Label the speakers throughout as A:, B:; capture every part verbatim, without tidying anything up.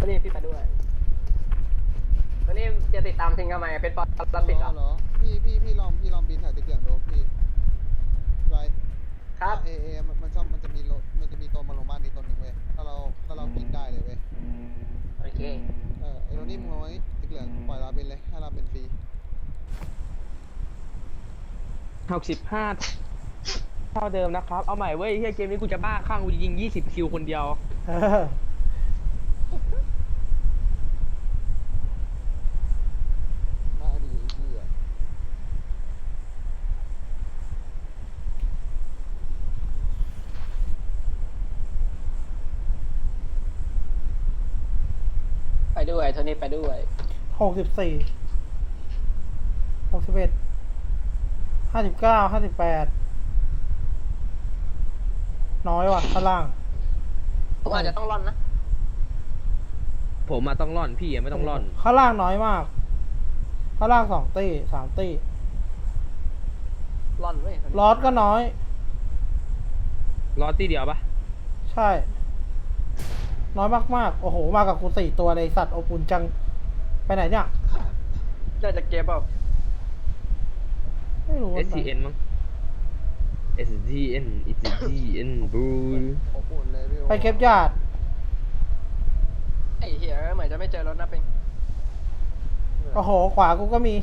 A: วันนี้พี่ไปด้วยวันนี้จะติดตามทิ้งทำไมเป็นปอลติดเหรอ
B: พี่พี่พี่ลองพี่ลองบินถ่ายตะเกียงดูพี่ไว้
A: ครับ
B: เอเอมันชอบมันจะมีรถมันจะมีตัวมาลงบ้านนี้ตัวหนึ่งเว้ยถ้าเราถ้าเราบินได้เลยเว้ย
A: โอเค
B: เออไอ้โรนี่มึงลงไว้ตะเกียงปล่อยเราบินเลยให้เราเป็นฟรี
C: หกสิบห้าเท่าเดิมนะครับเอาใหม่เว้ยเฮียเกมนี้กูจะบ้าข้างกูยิงยี่สิบคิวคนเดียว
B: มาดีพี่อ่ะ
A: ไปด้วยโทนี่ไปด้วย
D: หกสิบสี่หกสิบเอ็ดห้าสิบเก้าห้าสิบแปดน้อยว่ะข้างล่าง
A: ผมอาจจะต้องร่อนนะ
C: ผมมาต้องร่อนพี่ไม่ต้องร่อน
D: ข้างล่างน้อยมากข้างล่างสองตีสามตี
A: ร่อนเว้ย
D: ลอสก็น้อย
C: รอตีเดียวปะ
D: ใช่น้อยมากๆโอ้โหมากับกูสี่ตัวเลยสัตว์อบอุ่นจังไปไหนเนี่ย
A: ได้จากเกมเปล่า
D: ไม่รู้
C: เอส ที เอ็น มั้ง เอส ที เอ็น เอส ที เอ็น บู
B: อบอุ่นเลยพี่
D: ไปเก็บญาติ
A: ไอ้เหี้ยเหมือนจะไม่เจอรถนะปิง
D: โอ้โหขวากูก็มี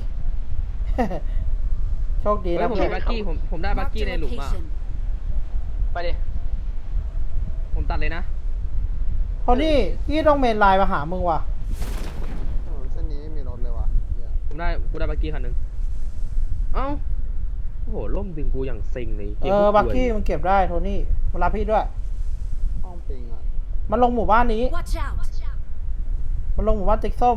D: โชคดีนะ
C: ผมได้บักกี้ผมผมได้บักกี้ในหลุมอ่ะ
A: ไปดิ
C: ผมตัดเลยนะ
D: พอนี่พี่ต้องเมนไลน์มาหามึงว่ะ
B: เส้นนี้ไม่มีรถเลยว่ะ
C: ผมได้กูได้บักกี้คันหนึ่งเอ้าโอ้โหล่มดึงกูอย่างเซ็งเลย
D: เออบักกี้มันเก็บได้โทนี่มารับพี่ด้วย
B: ห้องปิงอ่ะ
D: มันลงหมู่บ้านนี้มันลงหมู่บ้านติ๊กส้ม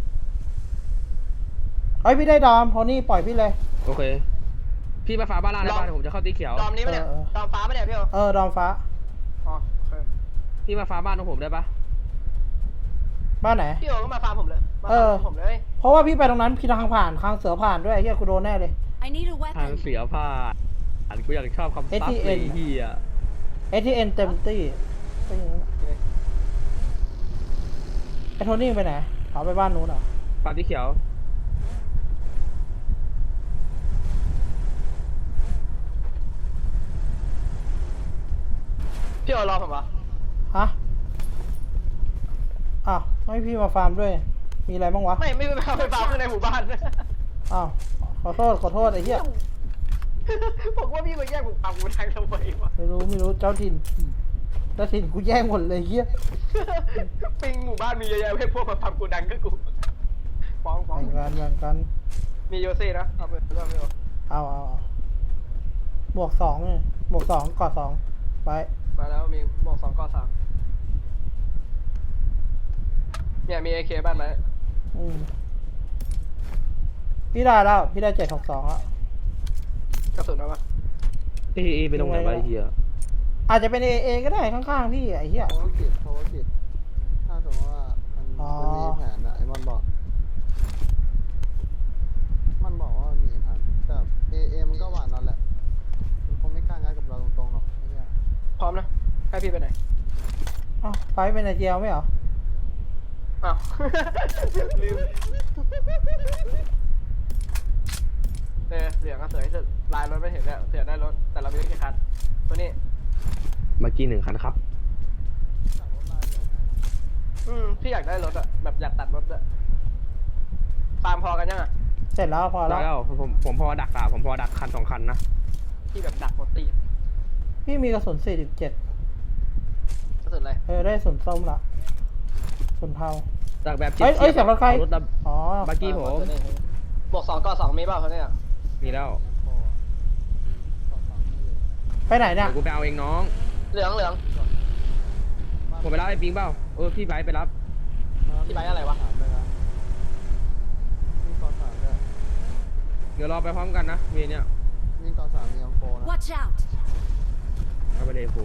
D: เฮ้ยพี่ได้ดอมโทนี่ปล่อยพี่เลย
C: โอเคพี่มาฟ้าบ้านล่างได้ป่ะผมจะเข้าตีเขียว
A: ดอมนี้ไหมเนี่ยดอมฟ้าไหมเนี่ยพี่
D: เออดอมฟ้า
A: อ๋อโอเค
C: พี่มาฟ้าบ้านของผมได้ปะ
D: บ้านไหน
A: พี่โอก็มาฟาร์มผมเลยมาฟาร์มผมเลย
D: เพราะว่าพี่ไปตรงนั้นพี่ทางผ่านทางเสือผ่านด้วยเฮียกูโดนแน่เลย
C: ทางเสือผ่านอันกูอยากชอบคำซับเลยเฮีย
D: เอ ที เอ็น เต็มตี้ไอ้โทนี่ไปไหนเขาไปบ้านนู้นเหรอ
C: ปาที่เขียว
A: พี่โอรอผมปะ
D: ฮะอ้าวไม่พี่มาฟาร์มด้วยมีอะไรบ้างวะ
A: ไม่ไม่ไปฟาร์มไปฟาร์มข้างในหมู่บ้าน
D: อ้าวขอโทษขอโทษไอ้เหี้ย
A: ผมว่าพี่มาแย่งผมฟาร์มกูทางทำไมวะ
D: ไม่รู้ไม่รู้เจ้าถิ่นเจ้าถิ่นกูแย่งหมดเลยเหี้ย
A: ปิงหมู่บ้านมีเยอะแยะเพื่อพวกมาฟาร์มกูดังก็กูฟ้องฟ้อง
D: แบ่งกันแบ่งกัน
A: มีโยเซ่นะเอาไปเรื่องไม่เอา
D: เอาเอาหมวกสองเนี่ยหมวกสองกอดสองไป
A: มาแล้วมีหมวกสองกอดสามเนี่ยมี เอ เค บ้านไหม
D: อืมพี่ได้แล้วพี่ได้เจ็ดหกสองแล้ว
A: กระสุนเอาปะ
C: เอเอไปตรงไหนวะไอ้เหี้ย
D: อาจจะเป็นเอเอก็ได้ข้างๆพี่ไอ้เหี้ย
B: ภารกิจภารกิจถ้าสมมติว่ามันมันมีแผนอะไอ้มันบอกมันบอกว่ามีแผนแต่เอเอมันก็หวานนั่นแหละมันคงไม่กล้างัดกับเราตรงๆหรอกไอ้เนี่ย
A: พร้อมนะให้พี่ไปไหน
D: อ้าวไปเป็นไอเจียวไม่เหรอ
A: อ้าวลืมเออเหลืองก็สวยที่สุดลายรถไม่เห็นแล้วเสียได้รถแต่เราไม่ได้แค่คันตัวนี้
C: เมื่อกี้หนึ่งคันครับ
A: อืมพี่อยากได้รถอะแบบอยากตัดรถอะฟาร์มพอกันยังอะ
D: เสร็จแล้วพอแล้ว
C: ผมผมพอดักอะผมพอดักคันสองคันนะ
A: พี่แบบดักหมดตี
D: พี่มีกระสุนสี่สิบเจ็ด
A: กระสุนอะไร
D: เออได้กระสุนส้มละกระสุนเทา
C: ดักแบบ
D: เอ้ยเอ้ยเสียงรถใครอ๋อ
C: บักกี้ผม
A: บวกสองก็สองมีเปล่าเขาเนี่ย
C: มีแล้ว
D: ไปไหนเนี่ย
C: กูไปเอาเองน้อง
A: เหลืองเหลือง
C: ผมไปรับไอ้ปิงเปล่าเออพี่ไบไปรับ
A: พี่ไบอะไรวะ
C: เดี๋ยวรอไปพร้อมกันนะเวรเนี่ย
B: วิ่งต่อสามมีอังโฟนะ
C: เอาไปเลยโฟ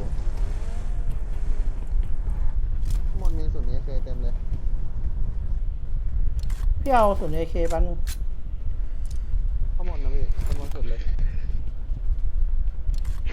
B: หมดมีส่วนนี้เคยเต็มเลย
D: พี่เอาส่วนเอเคปัน
B: ข้อมูลนะพี่ข้อมูลสุดเลย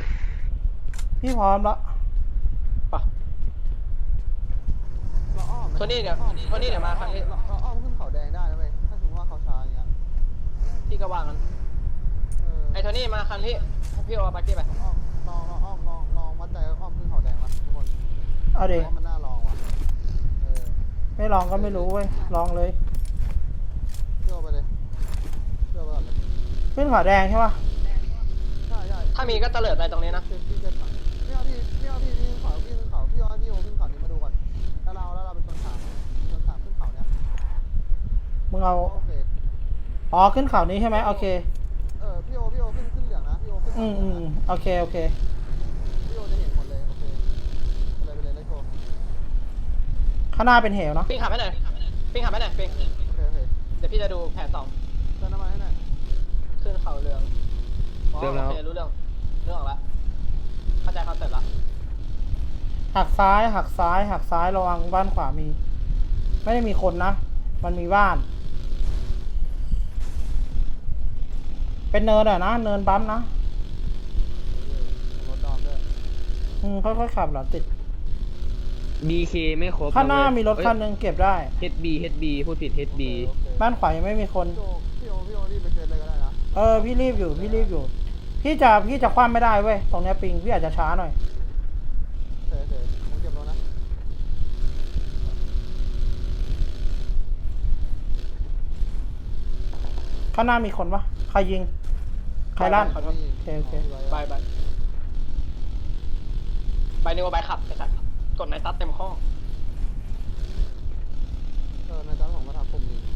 D: พี่พร้อมแล้ว
B: เราอ้อม
A: โทนี่เดี๋ยวโทนี่เดี๋ยวมาครั้งนี้
B: เราเราอ้อมขึ้นเขาแดงได้นะเว้ยถ้าสมมติว่าเขาช้าอย่างเงี้ย
A: พี่ก็วางกัน
B: เออ
A: ไอ้โทนี่มาครั้งที่พี่เอาปาร์ตี้ไป
B: อ้อมลองลองอ้อมลองลองวัดใจอ้อมขึ้นเขาแดงวะทุกคน
D: เอาดิ
B: ว่ามันน่าลองว่ะเออ
D: ไม่ลองก็ไม่รู้เว้ย ลองเลย
B: เชื่อไปเลยเชื่อไปก่อนเลย
D: ขึ้นขวาแดงใช่ปะ
B: ใช่ใช่
A: ถ้ามีก็เตลิดไปตรงนี้นะ
B: พี่พี่เซ็ตก่อนพี่เอาพี่พี่เอาพี่พี่ขึ้นเขาพี่ขึ้นเขาพี่เอาพี่โอขึ้นเขานี้มาดูก่อนแล้วเราแล้วเราเป็นคนถามคนถามขึ้นเขาเนี้ย
D: มึงเอา
B: โอเค
D: อ๋อ ขึ้นเขานี้ใช่ไหมโอเค
B: เออพี่โอพี่โอขึ้นขึ้นเหลืองนะพี่โอขึ้น
D: อืมอืมอืมโอเค โอเค
B: พี่โอจะเห็นหมดเลยโอเคไปเลยไปเลยเลทโก
D: ข้างหน้าเป็นเหวเนาะ
A: ปิ้งขับให้หน่อยปิ้งขับให้หน่อยปิ้ง
B: โอเคโอเค
A: เดี๋ยวพี่จะดูแผนสอง
B: เติมน้ำมันให้หน่อย
A: ขึ้นเขาเรืองอ๋อโอเครู้เรื่องเรื่องออกแล้วเข้าใจคอนเซ็ปต์ละ
D: หักซ้าย หักซ้าย หักซ้าย ระวังบ้านขวามี ไม่ได้มีคนนะ มันมีบ้าน เป็นเนินอะนะ เนินบัมป์นะ
B: รถดอมด้วย
D: อืม ค่อยๆขับเหรอติด
C: บี เค ไม่ครบ
D: ข้างหน้ามีรถคันห
C: นึง
D: นึงเก็บได้
C: เฮดบีเฮดบีพูดผิด เฮดบี
B: โอเค
D: บ้านขวายังไม่มีคน
B: พี่โอพี่โอพี่โอรีบไปเซ็ตเลยก็ได้นะ
D: เออ พี่รีบอยู่ พี่รีบอยู่ พี่จะ พี่จะคว่ำไม่ได้เว้ย ตรงเนี้ยปิง พี่อาจจะช้าหน่อย
B: เสร็จเสร็จผมเก็บรถนะ
D: ข้างหน้ามีคนปะใครยิง ใครลั่น
A: ขอโทษ
D: โอเคโอเค
A: บายบายบายนิวบายขับไอ้สัตว์กดในตัดเต็มข้อ
B: เออในตอนผมก็ทำปุ่มนี้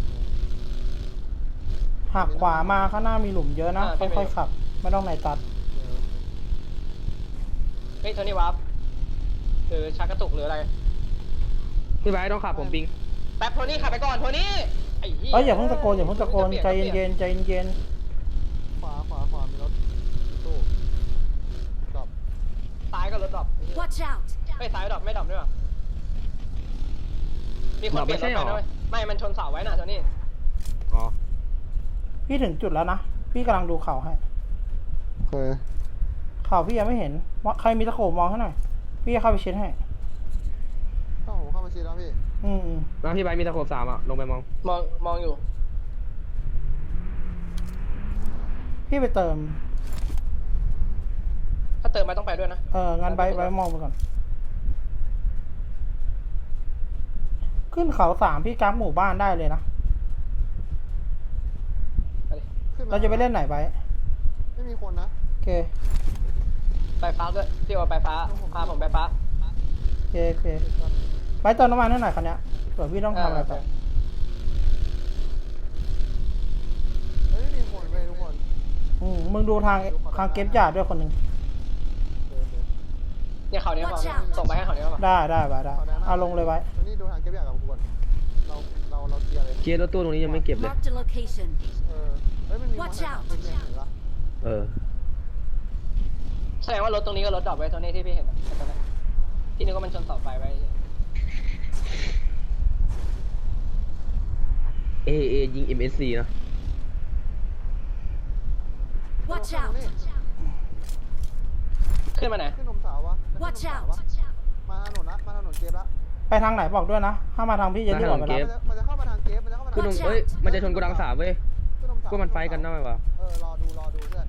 D: หักขวามาข้างหน้ามีหลุมเยอะนะ ค่อยๆขับ ไม่ต้องไหนตัด
A: เฮ้ยโทนี่วาร์ปหรือชักกระตุกหรืออะไร
C: พี่ไบร์ทต้องขับผมปิง
A: แป๊บโทนี่ขับไปก่อนโทนี่ไอ้เหี้ย
D: เอ้ยอย่าเพิ่งตะโกนอย่าเพิ่งตะโกน ใจเย็นๆใจเย็น
B: ขวาขวาขวามีรถตู้ดรอป
A: ซ้ายก็รถดรอป
E: Watch out!
A: เฮ้ยซ้ายดรอปไม่ดรอปด้วยวะมีคนเปลี่ยนรถไปด้วยไม่มันชนเสาไว้น่ะโทนี่
C: อ๋อ
D: ๆพี่ถึงจุดแล้วนะ พี่กำลังดูเข่าให้
B: โอเค
D: เข่าพี่ยังไม่เห็นว่าใครมีตะโขบมองให้หน่อย พี่จะเข้าไปเช็ดให้
B: เข้าผมเข้ามาชีแล้วพี่
D: อืมอืม
C: แล้วพี่ไบร์ทมีตะโขบสามอ่ะ ลงไปมอง
A: มองมองอยู่
D: พี่ไปเติม
A: ถ้าเติมไปต้องไปด้วยนะ
D: เอองั้นไบร์ทไบร์ทมองไปก่อน ขึ้นเขาสามพี่กราฟหมู่บ้านได้เลยนะ
A: ไปดิ
B: ขึ้นม
D: เราจะไปเล่นไหนไบร์ท
B: ไม่มีคนนะ
D: โอเค
A: ไปฟ้าด้วยพี่ว่าไปฟ้าพาผมไปฟ้า
D: โอเคโอเคไบร์ทเติมน้ำมันให้หน่อยคันเนี้ยเผื่อพี่ต้องทำอะไรต่อ
B: เฮ้ยไม่มีคนเลยทุกคน
D: อืมมึงดูทางทางเก็บจ่าด้วยคนหนึ่ง
B: เดินเดิน
A: เนี่ยเขาเนี้ยบอก
E: Watch out
A: ส่งไปให้เขาเนี้ยบอก
D: ได้ได้ไบร์ทได้เอาลงเลยไว้
B: ตรงนี้ดูทางเก็บอย่างกับกูก่อนเราเราเราเคลียร์เลย
C: เคลียร์รถตู้ตรงนี้ยังไม่เก็บเลย
E: Marked a location.
B: เออเฮ้ยมันมี
E: Watch
B: คน
E: out
B: เห็นปะ
C: เออ
A: แสดงว่ารถตรงนี้ก็รถดรอปไว้โทนี่ที่พี่เห็นอะตอนนั้นที่นึกว่ามันชนเสาไฟไว้
C: เอ เอ ยิง เอ็ม เอส ซี นะ
E: Watch
B: เออ
E: out!
A: ขึ้นมาไหน
B: ขึ้นนมสาววะ
E: Watch
B: ขึ้นนมสาว
E: out!
B: วะมาถนนละมาถนนเกฟละ
D: ไปทางไหนบอกด้วยนะ ถ้ามาทางพี่จะรีบออกไป
C: เก็
D: รั
C: บ
D: บ
B: มันจะมันจะเข้ามาทางเกฟมันจะเข้ามาทาง
C: ขึ้นนม
E: Watch out
C: เอ้ย มันจะชนกูดังสามเว้ย
B: ขึ้นนมสาว
C: ก็มันไฟท์กันได้ไหมวะ
B: เออรอดูรอดูเพื่อน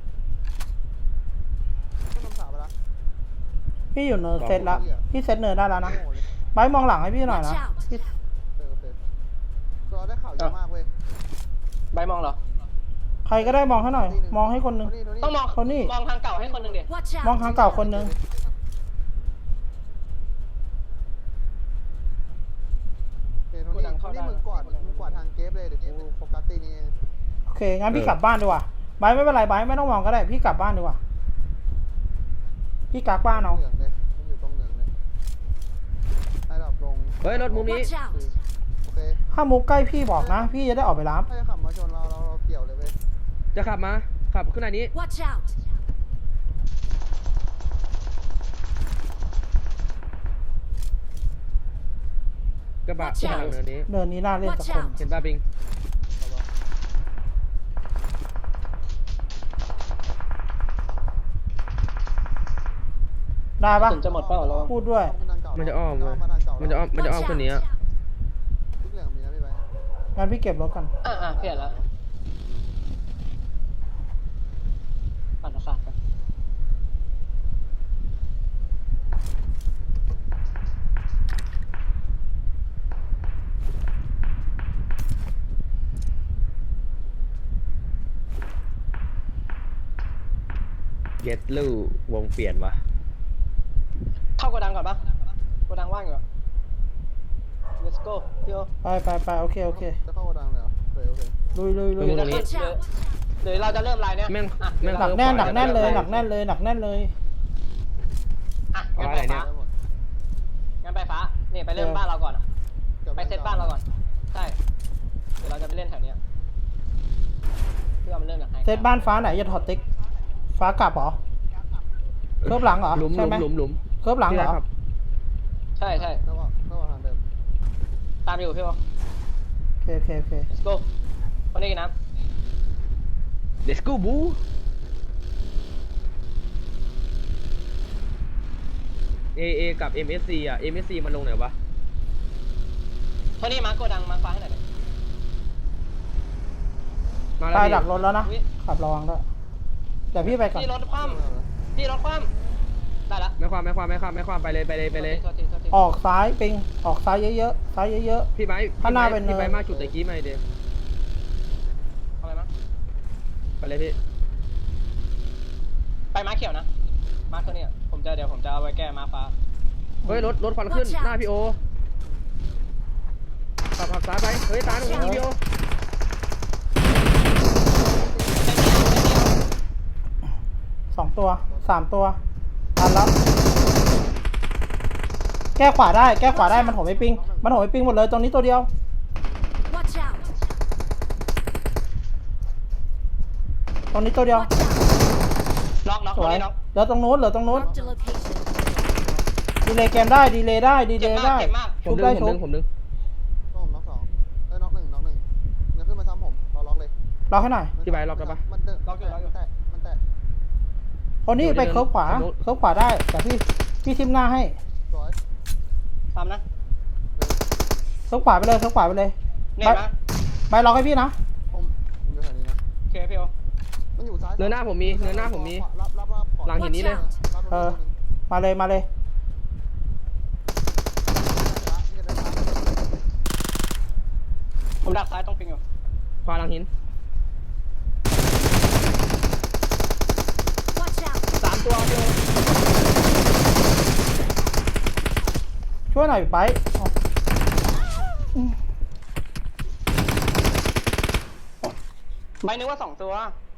B: ขึ้นนมสาวไปละ
D: พี่อยู่เนินเซตละพี่เซตเนินได้แล้วนะ
B: โง่เลย
D: ไบร์ทมองหลังให้พี่หน่อยนะ
E: Watch out
D: พี่
B: เออโอเคเราได้ข่าวเยอะมากเว้ย
A: ใบมองเหรอ
D: ใครก็ได้มองให้หน่อย มองให้คนหนึง
A: ต้องมอง
D: คนนี้
A: มองทางเก่าให้คนหนึ่งดิ
E: Watch
D: มอง
E: out!
D: ทางเก่าคนหนึง
B: โอเคโทนี่โทนี่มึงกวาดมึงกวาดทางเกฟเลยเดี๋ยวกูโฟกัสตีนี้เอง
D: โอเค งั้นพี่กลับบ้านดีกว่าไบร์ทไม่เป็นไรไบร์ทไม่ต้องมองก็ได้ พี่กลับบ้านดีกว่า พี่กักบ้านเอา
B: เหลืองเลยมันอยู่ตรงเหลืองเลยไอ้ดอกลง
C: เฮ้ย รถมุมนี้
E: Watch out!
B: โอเค
D: ถ้ามุกใกล้พี่บอกนะ พี่จะได้ออกไปรับ
B: ถ้าจะขับมาชนเราเราเราเกี่ยวเลยเว้ย
C: จะขับมา ขับขึ้นไหนนี้
E: Watch out!
C: กระบะ
E: Watch
C: ที่ทาง
E: out
C: เนินนี้
D: เดินนี้น่าเล่นสัก
E: Watch
D: คน
E: out
C: เห็นป่ะปิง
B: เอาวะ
D: ได้ปะ
A: ถึงจะหมดเปล่าเรา
D: พูดด้วย
C: มันจะอ้อมเว้ยมันจะอ้อม มันจะอ้อมคนนี้อะ
D: งั้นพี่เก็บรถก่อน
C: อ่ะอ่ะเปลี่ยนแล้วปั่นประสาทกัน
F: เย็ดลู่วงเปลี่ยนวะ
C: เข้าโกดังก่อนปะโกดังว่างอยู่อะ let's go พี่โอ
D: ไปไปไปโอเคโอเค
B: จะเข้ากระดังเลยเหรอโอเคโอเค
D: ลุยลุยลุย
C: หรือจะขึ้นหรือหรือเราจะเริ่มไลน์เนี้ย
F: แม่ง
C: อ่ะ
F: แม่ง
D: หนักแน่นหนักแน่นเลยหนักแน่นเลยหนักแน่นเลย
C: อ่ะงั้นไปฟ้า
B: ได้หมด
C: งั้นไปฟ้านี่ไปเริ่มบ้านเราก่อนอะไปเซตบ้านเราก่อนใช่เดี๋ยวเราจะไปเล่นแถวเนี้ยเพื่อมันเริ่มจากไหน
D: เซตบ้านฟ้าไหนจะถอดติ๊กฟ้ากลับเหรอเคิร์ฟหลังเหรอ
F: หลุมห
D: ใช่
F: ลุม
D: ไหม
F: หลุมหลุม
D: เคิร์ฟหลังเหรอ
F: ครับ
C: ใช่ใช่
B: เข้าว่าเข้าว่าทางเดิม
C: ตามอยู่พี่โอ
D: โอเคโอเคโอเค
C: let's go คนนี้กินน้
F: เดสกูบูเอเอกับ เอ็ม เอส ซี อ่ะ เอ็ม เอส ซี มันลงไหนวะ
C: ำคนนี้มาร์คโกดังมาร์คฟ้าให้หน่อยดิ
F: มาแล้ว
D: ตาย
F: พี่
D: ดักรถแล้วนะ
C: อุ๊ย
D: ขับระวังด้วยเดี๋ยวพี่ไปก่อน
C: พี่รถคว่ำพี่รถคว่ำได้ละ
F: ไม่ความไม่ความไม่ความไม่ความไปเลยไปเลยไปเลย
C: โทษทีโทษที
D: ออกซ้ายปิงออกซ้ายเยอะๆซ้ายเยอะ
F: พี่ไม้
D: ข้างหน้าเป็นเนิน
F: พี่ไม้มาจุดตะกี้มาเดี๋ยว
C: เอาไปมั้ง
F: ไปเลยพี่
C: ไปม้าเขียวนะ ม้าตัวเนี้ยผมจะเดี๋ยวผมจะเอาไว้แก้ม้าฟ้า
F: เฮ้ยรถรถควันขึ้น
E: Watch out
F: หน้าพี่โอขับขับซ้ายไปเฮ้ยตาหนูยิงพี่โอ
D: ๆสองตัวสามตัวทันแล้วแก้ขวาได้แก้ขวาได้มันโหมไม่ปิงมันโหมไม่ปิงหมดเลยตรงนี้ตัวเดียว
E: Watch out!
D: ตรงนี้ตัวเดียว
E: Watch out!
C: น็อกน็อก
D: ส
C: คน
D: วย
C: นี้น็อก
D: เหลือตรงนู้นเหลือตรงนู้น
E: Marked a location.
D: ดีเลย์เกมได้ดีเลย์ได้ดีเล
C: เจ็บ
D: ย์
C: มาก
D: ได้
C: เจ็บมาก
F: ผ
D: ชุ
F: ม
D: บ
F: ดึ
D: ได้
F: งผม
D: ชุ
F: ดึ
D: บ
F: งผมดึง
B: ก็ผมน็อกสองเอ้ยน็อกหนึ่งน็อกหนึ่งเงินขึ้นมาซ้ำผมรอล็อกเลย
D: ล็อกให้หน่อย
F: พี่ไบร์ทล็อกได้ปะ
B: มันเดินมันแตะมันแตะ
D: คนนี้ไปเคิร์ฟขวาเคิร์ฟขวาได้แต่พี่พี่ทิมหน้าให้
B: สวย
C: ตามนะ
D: เคิร์ฟขวาไปเลยเคิร์ฟขวาไปเลย
C: เน็ตนะ
D: ไปล็อกให้พี่นะ
B: ผมอยู่แถวนี้นะ
C: โอเคพี่โอ
B: มันอยู่ซ้าย
F: เนินหน้าผมมีเนินหน้าผมมี
B: รับรับรับก่อ
F: หลังหินนี้เลย
B: รับ
D: เออ มาเลยมาเลย
C: ผมดักซ้ายต้องปิงอยู่
F: ขวาหลังหิน
E: Watch out!
F: สามตัวพี่โอ
D: ช่วยหน่อยไปอ๋อ
C: ใบนึกว่าสองตัว